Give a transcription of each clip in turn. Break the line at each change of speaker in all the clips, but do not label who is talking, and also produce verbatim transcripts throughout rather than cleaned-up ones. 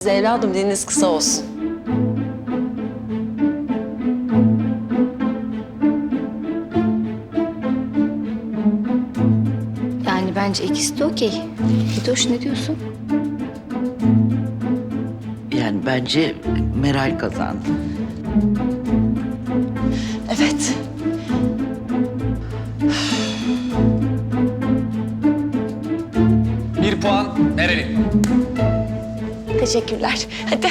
Evladım diliniz kısa olsun.
Yani bence ikisi de okey. Hidoş ne diyorsun?
Yani bence Meral kazandı.
Evet.
Bir puan Meral'in.
Teşekkürler. Hadi.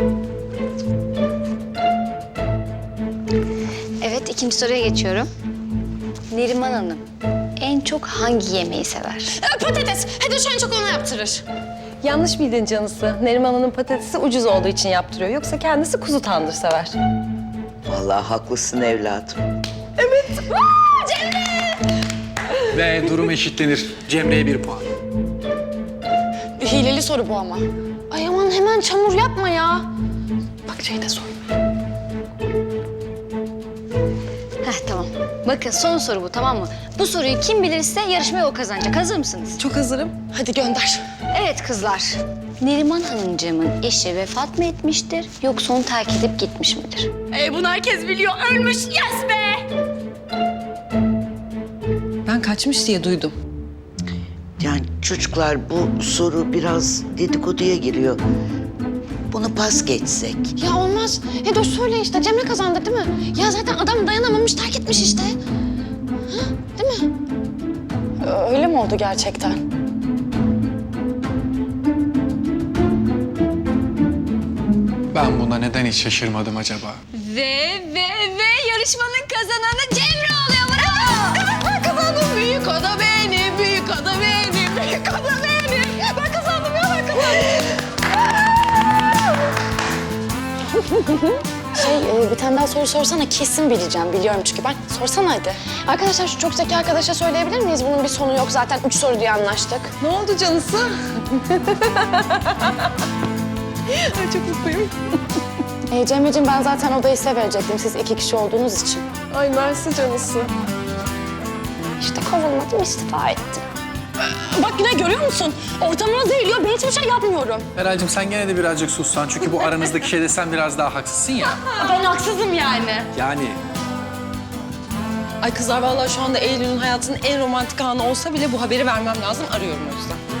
Evet, ikinci soruya geçiyorum. Neriman Hanım en çok hangi yemeği sever?
Patates. Hedoş en çok onu yaptırır.
Yanlış bildin canısı. Neriman Hanım patatesi ucuz olduğu için yaptırıyor. Yoksa kendisi kuzu tandır sever.
Vallahi haklısın evladım.
Ve durum eşitlenir. Cemre'ye bir puan.
Hileli soru bu ama. Ay aman hemen çamur yapma ya. Bak şey de sor.
Heh, tamam. Bakın son soru bu, tamam mı? Bu soruyu kim bilirse yarışmayı o kazanacak. Hazır mısınız?
Çok hazırım.
Hadi gönder.
Evet kızlar. Neriman Hanımcığımın eşi vefat mı etmiştir yoksa onu terk edip gitmiş midir?
Ee, bunu herkes biliyor. Ölmüş. Yes be.
Ben kaçmış diye duydum.
Yani çocuklar bu soru biraz dedikoduya giriyor. Bunu pas geçsek.
Ya olmaz. Hedoş söyle işte. Cemre kazandı değil mi? Ya zaten adam dayanamamış terk etmiş işte. Ha, değil mi? Öyle mi oldu gerçekten?
Ben buna neden hiç şaşırmadım acaba?
Ve ve ve yarışmanın kazananı Cemre oluyor. Bravo!
Evet ben kazandım. Büyük ada benim, büyük ada benim, büyük ada benim. Ben kazandım ya ben kazandım. Şey e, bir tane daha soru sorsana kesin bileceğim. Biliyorum çünkü ben. Sorsana hadi. Arkadaşlar şu çok zeki arkadaşa söyleyebilir miyiz? Bunun bir sonu yok zaten. Üç soru diye anlaştık.
Ne oldu canısı? Ay çok mutluyum.
E, Cemre'ciğim ben zaten odayı size verecektim. Siz iki kişi olduğunuz için.
Ay mersi canısı.
İşte kovulmadım, istifa ettim. Bak yine görüyor musun? Ortamına zehirliyor. Ben hiçbir şey yapmıyorum.
Meral'cığım sen gene de birazcık sussan. Çünkü bu aranızdaki şeyde sen biraz daha haksızsın ya.
Ben haksızım yani.
Yani
Ay kızlar vallahi şu anda Eylül'ün hayatının en romantik anı olsa bile bu haberi vermem lazım. Arıyorum o yüzden.